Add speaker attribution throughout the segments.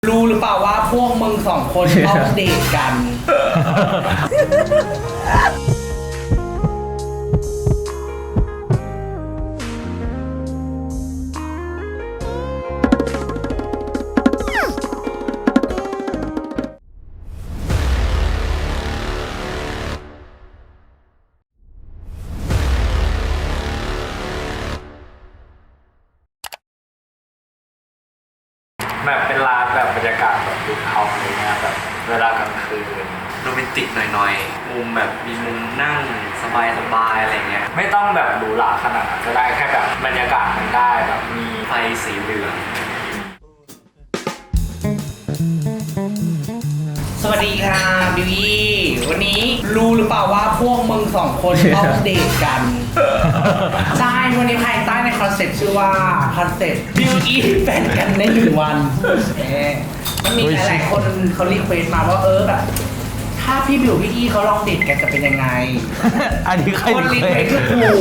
Speaker 1: รู้หรือเปล่าว่าพวกมึงสองคนต้องเดทกัน
Speaker 2: แบบเป็นร้านแบบบรรยากาศแบบดูเฮาส์อะไรเงี้ยแบบเวลากลางคืนโรแมนติกหน่อยๆมุมแบบมีมุมนั่งสบายๆอะไรเงี้ยไม่ต้องแบบหรูหราขนาดนั้นก็ได้แค่แบบบรรยากาศมันได้แบบมีไฟสีเหลือง
Speaker 1: สวัสดีค่ะบิวอี้วันนี้รู้หรือเปล่าว่าพวกมึงสองคนต้องเดทกัน ใช่วันนี้ภายใต้ในคอนเซ็ปต์ชื่อว่าคอนเซ็ปต์บิวอี้แฟนกันใน1 วันมันมีหลายๆคนเขารีเควสต์มาว่าแบบถ้าพี่บิวพี่อี้เขาลองเดทกันจะเป็นยังไง
Speaker 3: อันนี้ใคร
Speaker 1: คนรีเควสต์คือกู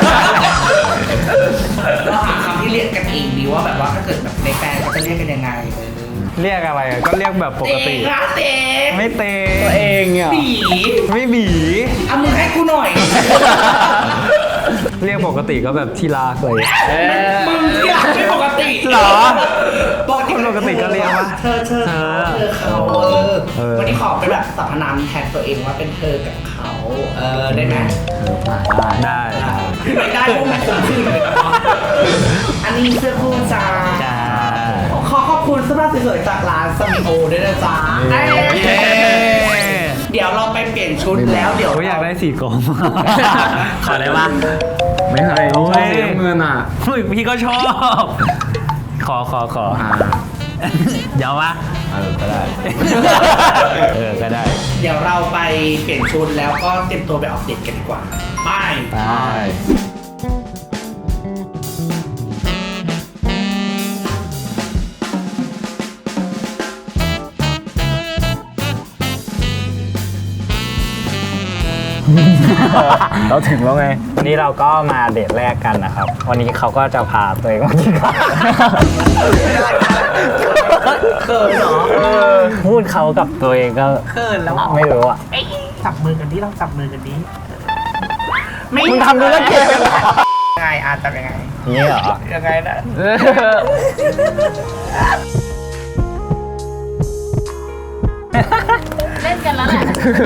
Speaker 1: เราหาคำที่เรียกกันเองดีว่าแบบว่าถ้าเกิดแบบในแฟนเขาจะเรียกกันยังไง
Speaker 3: เรียกอะไรอ่ะก็เรียกแบบปกติ
Speaker 1: เตะ
Speaker 3: ไม่เตะตัวเองอ่ะ
Speaker 1: บี
Speaker 3: ไม่บี
Speaker 1: เอามือให้กูหน่อย
Speaker 3: เรียกปกติก็แบบที่รักเลย
Speaker 1: มึงที่รักไม่ปกติ
Speaker 3: เหรอ
Speaker 1: ปกติ
Speaker 3: ก็เรียกว่า
Speaker 1: เธอเขาวันนี้ขอเป็นแบบสรรพนามแทนตัวเองว่าเป็นเธอกับเขาได้ไหม
Speaker 3: ได้
Speaker 1: ไม่ได้พวกมันคงขึ้นเลยอันนี้เสื้อคู่จ้าขอบคุณเสื้อผ้าสวยๆจากร้านสมิโอด้วยนะจ๊ะเดี๋ยวเราไปเปลี่ยนชุดแล้วเดี๋ยว
Speaker 3: อยากได้สีกรมขอได้ปะ
Speaker 4: ไม่เคยชอบสีน้ำเงินอ่ะ
Speaker 3: พี่ก็ชอบ ขอเดี๋ยววะก็ได้ก็ได้
Speaker 1: เดี๋ยวเราไปเปลี่ยนชุดแล้วก็เตรียมตัวไปออกเดทกันดีกว่าไป
Speaker 3: เราถึงแล้วไงวันนี้เราก็มาเดทแรกกันนะครับวันนี้เขาก็จะพาตัวเองมากินข้าว
Speaker 1: เขินเหรอ
Speaker 3: พูดเขากับตัวเองก็
Speaker 1: เขินแล้ว
Speaker 3: ไม่รู้อ่ะ
Speaker 1: จับมือกันดิต้องจับมือกันดิไม่
Speaker 3: มึงทำธุรกิจกันเหรอ
Speaker 1: ยังไงจับยังไง
Speaker 3: นี่เหรอ
Speaker 1: ยังไงนะ
Speaker 5: เล่นกันแล้วแหละ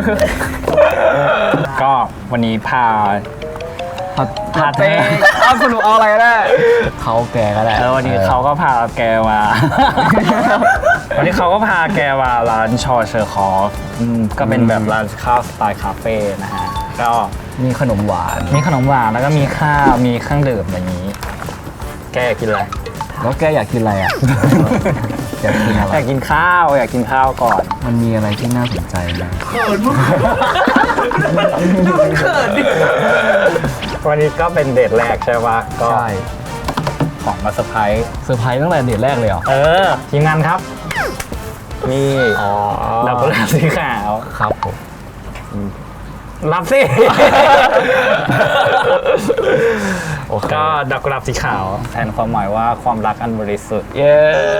Speaker 3: ก็วันนี้พาเต้
Speaker 4: เอาสรุปเอาอะไรก็ได้
Speaker 3: เขาแกก็ได้วันนี้เขาก็พาแกมา วันนี้เขาก็พาแกมาร้านชอเชอร์คอฟก็เป็นแบบร้านข้าวสไตล์คาเฟ่นะฮะก็มีขนมหวานแล้วก็มีข้าวมีเครื่องดื่มอย่างนี้ แกอยากกินอะไร
Speaker 4: แล้วแกอยากกินอะไรอ่ะ อยากกินอะไร
Speaker 3: อยากกินข้าวก่อน
Speaker 4: มันมีอะไรที่น่าสนใจไหม
Speaker 1: เขินมากดูมันเขินดิ
Speaker 3: วันนี้ก็เป็นเดทแรกใช่ปะก็
Speaker 4: ใช่
Speaker 3: ของมาเซอร์ไพรส์
Speaker 4: เซอร์ไพรส์ตั้งแต่เดทแรกเลยเหรอ
Speaker 3: ทีมงานครับ นี่ดอกกุหลาบสีขาว
Speaker 4: ครับผม
Speaker 3: รับสิ ก็ดอกกุหลาบสีขาวแทนความหมายว่าความรักอันบริสุทธิ์ เย้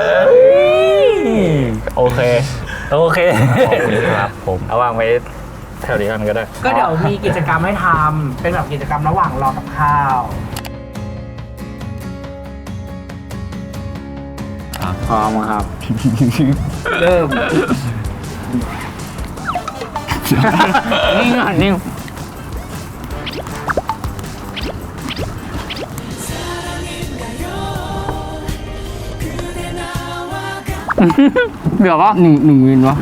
Speaker 3: โอเค
Speaker 4: ขอบคุณครับผม
Speaker 3: เอาวางไว้แถวนี้กันก็ได้
Speaker 1: ก็เดี๋ยวมีกิจกรรมให้ทำเป็นแบบกิจกรรมระหว่างรอกับข้าว
Speaker 3: พร้อมครับ
Speaker 4: เริ่ม
Speaker 3: นิ่งก่อนนิ่งเดี๋ยวว่าหนึ่งวินวะ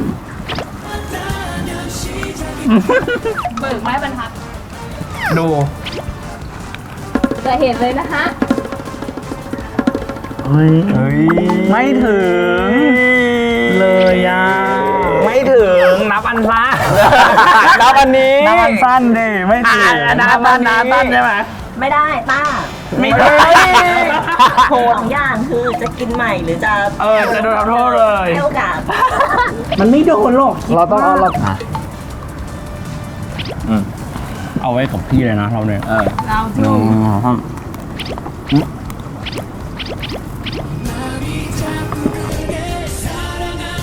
Speaker 5: เบิกไม้บรรทัด
Speaker 3: ดู
Speaker 5: จะเห็นเลยนะคะ
Speaker 3: เฮ้ยไม่ถึงเลยอ่ะไม่ถึงนับอันสั้นนับอันนี้นับอันสั้นดิไม่ถึงนับอันสั้นใช่ไหม
Speaker 6: ไม่ได้ป้า
Speaker 3: ไม่ได้
Speaker 6: โทษอย่างคือจะกินใหม่หรือจะ
Speaker 3: จะโดนทำโทษเลย
Speaker 6: ให้โอกาส
Speaker 1: มันไม่โดนหรอก
Speaker 4: เราต้องเอาไว้กับพี่เลยนะเราเนี่ย
Speaker 5: เรา
Speaker 4: หนึ่งสอง
Speaker 5: เ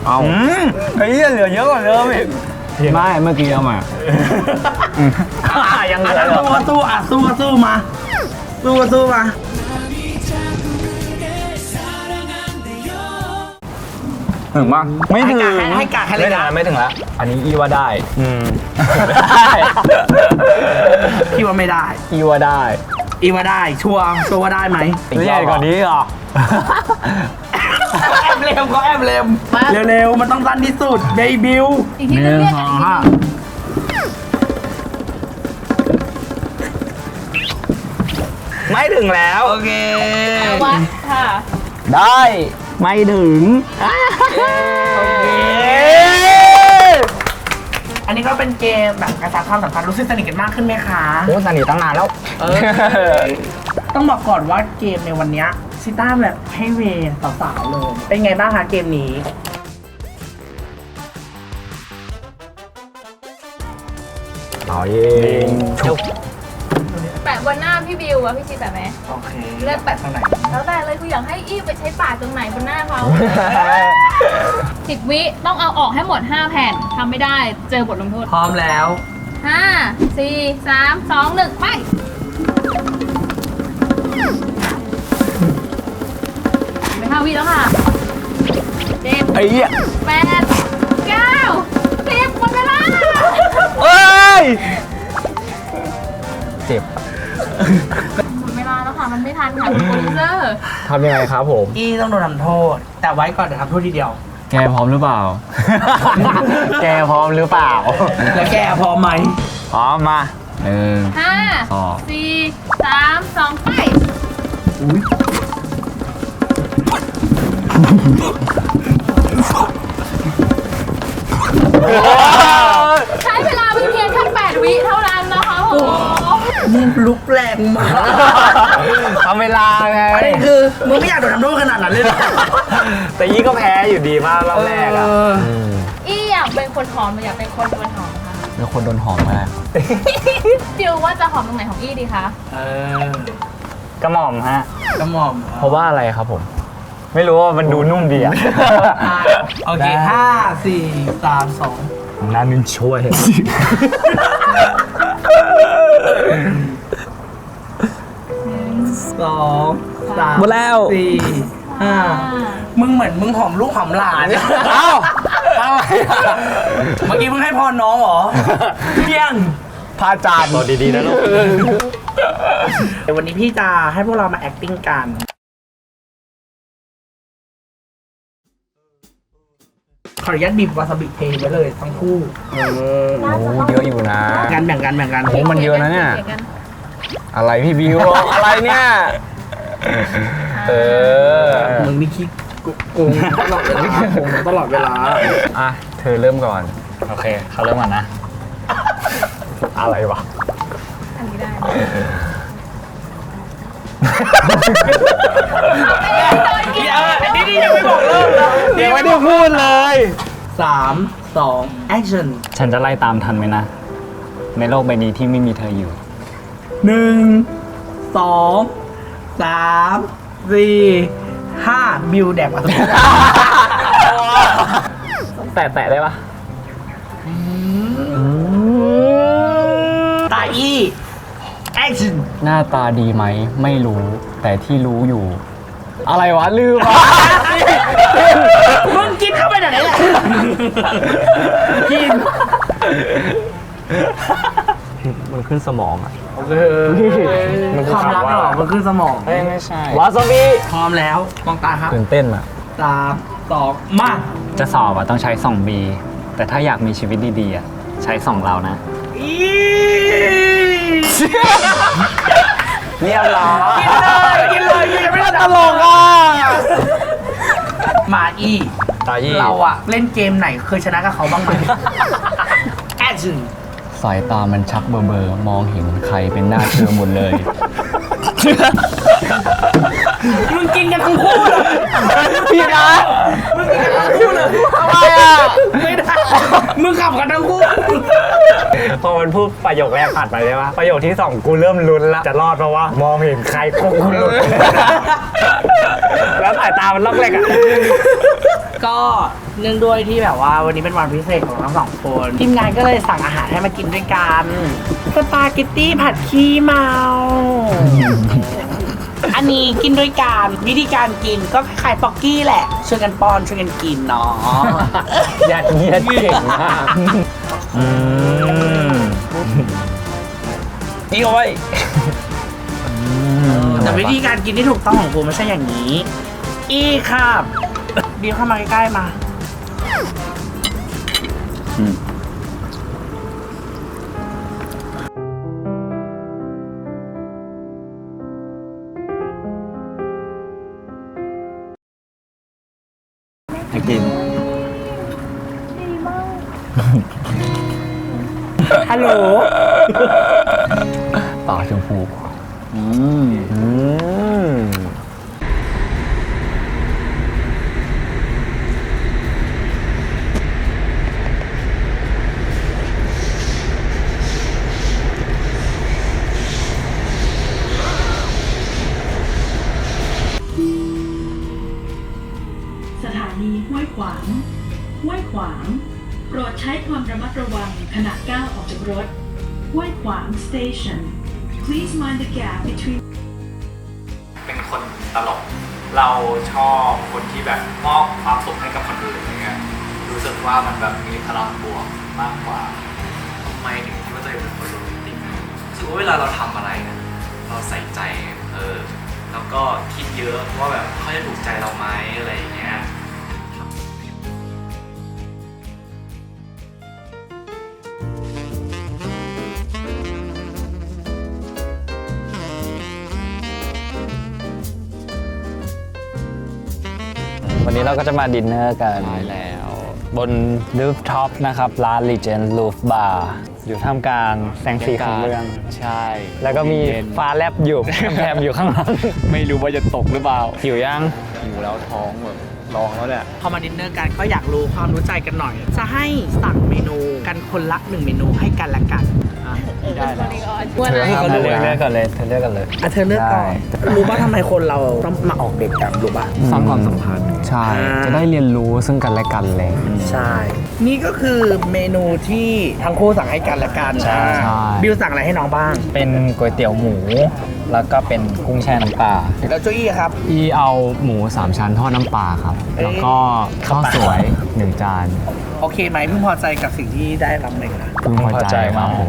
Speaker 4: เอา
Speaker 3: ไอ้เหี้ยเหลือเยอะกว่าเดิมอีก
Speaker 4: ไม่เมื่อกี้เอามา
Speaker 3: ยังเหลื
Speaker 1: อ่ะ
Speaker 3: อ
Speaker 1: สู้มาสู้มา
Speaker 3: ถึงปะไม่ถึง
Speaker 1: ให้กาให้เลยนะ
Speaker 3: ไม่ถึงแล้วอันนี้อีว่าได้
Speaker 1: พี่ว่าไม่ได้
Speaker 3: อีว่าได้
Speaker 1: อีว่าได้ชัวร์ว่าได้ไหม
Speaker 3: ใหญ่กว่านี้เหรอ
Speaker 1: แอบเร็วก็แอบเร็วเร็วๆมันต้องสั้นที่สุดเบบิว
Speaker 5: อีกทีนึงเรียกอีกทีนึง
Speaker 3: ไม่ถึงแล้ว
Speaker 1: โอเค
Speaker 5: วัดค่ะ
Speaker 3: ได้ไม่ถึง
Speaker 1: โอเคอันนี้ก็เป็นเกมแบบกระชับความสัมพันธ์รู้สึกสนิทกันมากขึ้นไหมคะ
Speaker 3: โอ้สนิทตั้งนานแล้ว
Speaker 1: ต้องบอกก่อนว่าเกมในวันเนี้ยซิต้าแบบให้เวย์สาวๆเลยเป็นไงบ้างคะเกมนี้
Speaker 3: เอายิงชุบ
Speaker 5: แปะบนหน้าพี่บิวอะพี่ชีแปะไหม
Speaker 1: โอเค
Speaker 5: เลือกแปะ
Speaker 1: ตรงไหน
Speaker 5: แล้วแต่เลยกูอยากให้อี้ไปใช้ปากตรงไหนบนหน้าเขา10 วิต้องเอาออกให้หมด 5 แผ่นทำไม่ได้เจอบทลงโทษ
Speaker 1: พร้อมแล้ว
Speaker 5: 5 4 3 2 1 ไปไป5 วิแล้วค่ะ7
Speaker 3: ไอ้เหี้ย
Speaker 5: 8 9 10หมดเวลา
Speaker 3: เอ้ยเจ็บ
Speaker 5: หมดเวลาแล้วค่ะ มันไม่ทันค่ะคุณโปรดิวเซอร์
Speaker 3: ทำยังไงครับผม
Speaker 1: อี้ต้องโดนทำโทษ แต่ไว้ก่อนเดี๋ยวทำโทษทีเดียว
Speaker 4: แกพร้อมหรือเปล่า
Speaker 3: แกพร้อมหรือเปล่า
Speaker 1: แล้วแกพร้อมไหม
Speaker 3: พร้อมมา
Speaker 5: 5
Speaker 4: ต่อ
Speaker 5: 4 3 2 ไป ใช้เวลาเพียงแค่8 วิเท่านั้นนะคะโอ้โห
Speaker 1: มึงลุกแรงมาก
Speaker 3: ทำเวลาไง
Speaker 1: ประเด็นคือมึงไม่อยากโดนทำโทษขนาดนั้นเลยเหรอ
Speaker 3: แต่ยี่ก็แพ้อยู่ดีมากรอบแรกอ่ะ
Speaker 5: อี้อยากเป็นคนหอมหรืออยากเป็นคนโดนหอมคะ
Speaker 4: แล้วคนโดนหอมมา
Speaker 5: ดิวว่าจะหอมตรงไหนของอี้ดีคะ
Speaker 3: กระหม่อมฮะ
Speaker 1: กระหม่อม
Speaker 3: เพราะว่าอะไรครับผม ไม่รู้ว่ามันดูนุ่มดีอ่ะ
Speaker 1: โอเค5 4 3 2
Speaker 3: น่านึงช่วย
Speaker 1: 2 3
Speaker 3: หมดแล้ว
Speaker 1: 4 5มึงเหมือนมึงหอมลูกหอมหลาน
Speaker 3: เอ้าอะไร
Speaker 1: เมื่อกี้มึงให้พรน้องเหรอเพี้ยง
Speaker 3: พาจานบอกดีๆนะลูก
Speaker 1: เดี๋ยววันนี้พี่จะให้พวกเรามา acting กัน ขออนุญาตบีบวาซาบิเทไว้เลยทั้งคู่
Speaker 3: โอ้เยอะอยู่นะ
Speaker 1: แบ่งกัน
Speaker 3: โอ้มันเยอะนะเนี่ย
Speaker 5: ขีกั
Speaker 3: อะไรพี่บิว อะไรเนี่ย เออ
Speaker 1: มึงนี่คิดโกงตลอดเวลาโกงตลอดเวลา
Speaker 3: อ่ะ เธอเริ่มก่อน โอเค เขาเริ่มก่อนนะ อะไรวะ
Speaker 5: อันนี้ได้
Speaker 1: นี่ยังไม่บอกเริ่มนะ
Speaker 3: ยังไม่ได้พูดเลย
Speaker 1: 3 2 action
Speaker 3: ฉันจะไล่ตามทันไหมนะ ในโลกใบนี้ที่ไม่มีเธออยู่
Speaker 1: 1 2 3 4 5บิวแดกวาซาบิ
Speaker 3: แตะได้ปะ
Speaker 1: ตาอี action
Speaker 4: หน้าตาดีไหมไม่รู้ แต่ที่รู้อยู่ อะไรวะลืมวะ
Speaker 1: มึงกินเข้าไปไหนแหละกิน
Speaker 3: มันขึ้นสมองอ่ะ มันคือ
Speaker 1: ความรัก
Speaker 3: คำว่า
Speaker 1: หรอมันขึ้นสมอง
Speaker 3: ไม่ใช่ วาซาบิ
Speaker 1: พร้อมแล้วมองตาครับ
Speaker 4: ตื่นเต้นอ่ะ
Speaker 1: 3 2 มา
Speaker 3: จะสอบอ่ะต้องใช้2 B แต่ถ้าอยากมีชีวิตดีๆอ่ะใช้2เรานะ
Speaker 1: อี
Speaker 3: เรียบร้อย
Speaker 1: กินเลยยังไม่ได้ตลกมาอี
Speaker 3: ตายี่
Speaker 1: เราอะเล่นเกมไหนเคยชนะกับเขาบ้างไหม action
Speaker 4: สายตามันชักเบอร์มองเห็นใครเป็นหน้าเธอหมดเลย
Speaker 1: มึงกินกันทั้งคู่เลย
Speaker 3: พี่นะ
Speaker 1: มึงกินกันทั้งคู่เลยทำไมอ่ะไม่ได้มึงขับกันทั้งคู่
Speaker 3: พอมันพูดประโยคแรกผ่านไปใช่ปะประโยคที่ 2 กูเริ่มลุ้นละจะรอดเพราะว่ามองเห็นใครก็กูลุ้นแล้วสายตามันล็อกแรกอ่ะ
Speaker 1: ก็เนื่องด้วยที่แบบว่าวันนี้เป็นวันพิเศษของทั้งสองคนทีมงานก็เลยสั่งอาหารให้มากินด้วยกันสปาเกตตี้ผัดขี้เมา อันนี้กินด้วยกันวิธีการกินก็คล้ายๆป๊อกกี้แหละช่วยกันป้อนช่วยกันกินเนาะ
Speaker 4: ยัดเยียดเก่งมาก
Speaker 3: นี่เอาไว้
Speaker 1: แต่วิธีการกินที่ถูกต้องของกูไม่ใช่อย่างนี้ อีครับบีมเข้ามาใกล้ๆมา
Speaker 3: ให้กิน
Speaker 1: ฮัลโหล
Speaker 4: ต่อชมพู
Speaker 7: สถานีห้วยขวาง ห้วยขวาง โปรดใช้ความระมัดระวังขณะก้าวออกจากรถ ห้วยขวาง station please mind the gap between
Speaker 2: เป็นคนตลก เราชอบคนที่แบบมอบความสุขให้กับคนอื่นอย่างเงี้ยรู้สึกว่ามันแบบมีพลังบวกมากกว่าทำไมถึงคิดว่าตัวเองเป็นคนโรแมนติกรู้สึกว่าเวลาเราทำอะไรเนี่ยเราใส่ใจแล้วก็คิดเยอะว่าแบบเขาจะถูกใจเราไหมอะไรอย่างเงี้ย
Speaker 3: วันนี้เราก็จะมาดินเนอร์กันแล้ว บนรูฟท็อปนะครับร้าน Legend Roof Bar อยู่ท่ามกลางแสงสีของเมือง
Speaker 4: ใช่
Speaker 3: แล้วก็มีฟ้าแลบอยู่ แถมอยู่ข้างหลัง
Speaker 4: ไม่รู้ว่าจะตกหรือเปล่า
Speaker 3: หิวยัง
Speaker 4: หิวแล้วท้องแบบร้องแล้วเนี่ย
Speaker 1: พอมาดินเนอร์กันก็อยากรู้ความรู้ใจกันหน่อย จะให้สั่งเมนูกันคนละ1เมนูให้กันและกัน
Speaker 4: ได้แล้ว
Speaker 3: เธอให้เขาเลือกกันเลยเธอเลือกกันเลย
Speaker 1: อ่ะเธอเลือกก่อนรู้ป่ะทำไมคนเราต้องมาออกเดทกันรู้ป่ะ
Speaker 4: สร้างความสัมพันธ์ ใช่ จะได้เรียนรู้ซึ่งกันและกันเลย
Speaker 1: ใช่ นี่ก็คือเมนูที่ทั้งคู่สั่งให้กันและกัน
Speaker 3: ใช่
Speaker 1: บิวสั่งอะไรให้น้องบ้าง
Speaker 3: เป็นก๋วยเตี๋ยวหมู แล้วก็เป็นกุ้งแช่น้ำปลา
Speaker 1: แล้วโจอี้ครับ
Speaker 4: อีเอาหมู3ชั้นทอดน้ำปลาครับ แล้วก็ข้าวสวย1จาน
Speaker 1: โอเคไหมเพิ่งพอใจกับสิ่งที่ได้รับเลยนะ
Speaker 4: พึงพอใจครับผม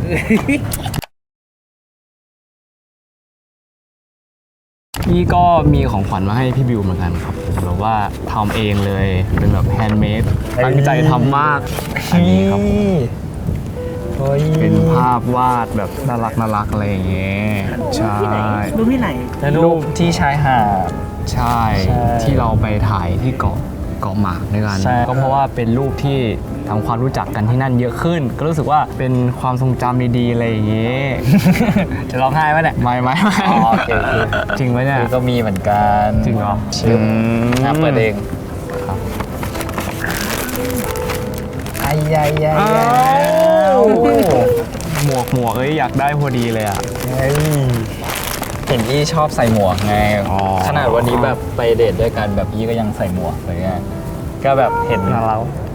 Speaker 4: พี่ก็มีของขวัญมาให้พี่บิวเหมือนกันครับแบบว่าทำเองเลย เป็นแบบแฮนด์เมด ตั้งใจทำมาก อันนี้ครับผมเป็นภาพวาดแบบน่ารักอะไรอย่างเงี้ย ใช่
Speaker 1: รูปที่ไหน
Speaker 3: รูปที่ชายหาด
Speaker 4: ใช่
Speaker 3: ใช่
Speaker 4: ที่เราไปถ่ายที่เกาะหมากด้วยกัน
Speaker 3: ใช่
Speaker 4: ก็เพราะว่าเป็นรูปที่ทำความรู้จักกันที่นั่นเยอะขึ้น ก็รู้สึกว่าเป็นความทรงจำดีๆอะไรอย่างเงี้ย
Speaker 3: จะร้องไห้ไหมเนี่ย
Speaker 4: ไม่
Speaker 3: อ๋อโอเค
Speaker 4: จริงไหมเนี่ย
Speaker 3: ก็มีเหมือนกัน
Speaker 4: จริงเหรอ
Speaker 3: ชื่อน้ำเปิดเอง
Speaker 4: ครับ
Speaker 3: ไอ้ยายยาย
Speaker 4: หมวกเอ้ยอยากได้พอดีเลยอ่ะ
Speaker 3: เห็นพี่ชอบใส่หมวกไง
Speaker 4: อ๋อ
Speaker 3: ขนาดวันนี้แบบไปเดทด้วยกันแบบพี่ก็ยังใส่หมวกเลยไงก็แบบเห็นเรา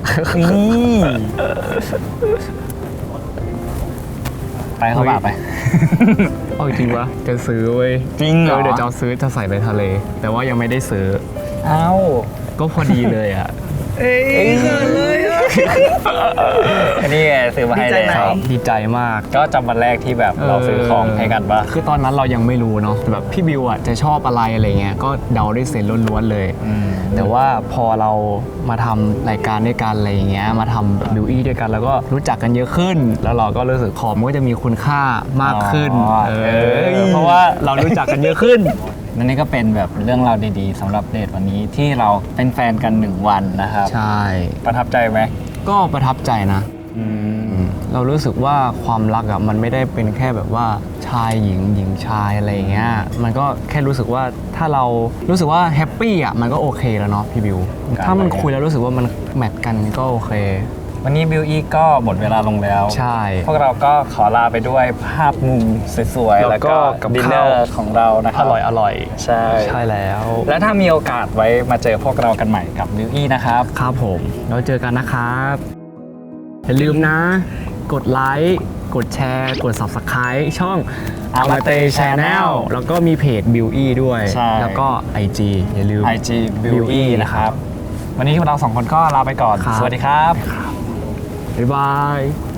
Speaker 3: ไปเข้าป่าไป
Speaker 4: เอาจริงวะจะซื้อเว้ย
Speaker 3: จริงเหรอ
Speaker 4: เดี๋ยวจะเอาซื้อจะใส่ไปทะเล แต่ว่ายังไม่ได้ซื้อ
Speaker 3: เอ้า
Speaker 4: ก็พอดีเลยอ่ะ
Speaker 1: เอ้ยเขินเลยอะ
Speaker 3: อันนี้ไงซื้อมาให้
Speaker 1: ดีใจไหม
Speaker 3: แล้ว
Speaker 4: ดีใจมาก
Speaker 3: ก็จำวันแรกที่แบบเราซื้อของให้กันปะ
Speaker 4: คือตอนนั้นเรายังไม่รู้เนาะแบบพี่บิวอ่ะจะชอบอะไรเงี้ยก็เดาด้วยเซนส์ล้วนๆเลย แต่ว่าพอเรามาทำรายการด้วยกันอะไรอย่างเงี้ยมาทำบิวอี้ด้วยกันแล้วก็รู้จักกันเยอะขึ้น แล้วเราก็รู้สึกของมันก็จะมีคุณค่ามากขึ้น
Speaker 3: อ๋อ
Speaker 4: เพราะว่าเรารู้จักกันเยอะขึ้น
Speaker 3: นั่นนี่ก็เป็นแบบเรื่องราวดีๆสำหรับเดทวันนี้ที่เราเป็นแฟนกัน1วันนะครับ
Speaker 4: ใช่
Speaker 3: ประทับใจไหม
Speaker 4: ก็ประทับใจนะ เรารู้สึกว่าความรักอ่ะมันไม่ได้เป็นแค่แบบว่าชายหญิงหญิงชายอะไรอย่างเงี้ยมันก็แค่รู้สึกว่าถ้าเรารู้สึกว่าแฮปปี้อ่ะมันก็โอเคแล้วเนาะพี่บิวถ้ามันคุยแล้วรู้สึกว่ามันแมทกันก็โอเค
Speaker 3: วันนี้บิวอี้ก็หมดเวลาลงแล้ว
Speaker 4: ใช่
Speaker 3: พวกเราก็ขอลาไปด้วยภาพมุมสวยๆ แล้วก็
Speaker 4: กับ
Speaker 3: ดินเน
Speaker 4: ข้า
Speaker 3: อ
Speaker 4: ว
Speaker 3: ร์ของเรานะค
Speaker 4: อ
Speaker 3: รับ
Speaker 4: ร่อย
Speaker 3: ใช่
Speaker 4: ใช่แล้ว
Speaker 3: และถ้ามีโอกาสไว้มาเจอพวกเรากันใหม่กับบิวอี้นะครับ
Speaker 4: ครับผมเราเจอกันนะครับ อย่าลืมนะ กดไลค์ กดแชร์ กด Subscribe ช่อง Amate Channel แล้วก็มีเพจ b i w e ด้วย
Speaker 3: ใช่
Speaker 4: แล้วก็ IG อย่าลืม
Speaker 3: IG บิวอี้นะครับ วันนี้พวกเราสองคนก็ลาไปก่อน
Speaker 4: ครับ
Speaker 3: สวัสดีครับ
Speaker 4: บ๊ายบาย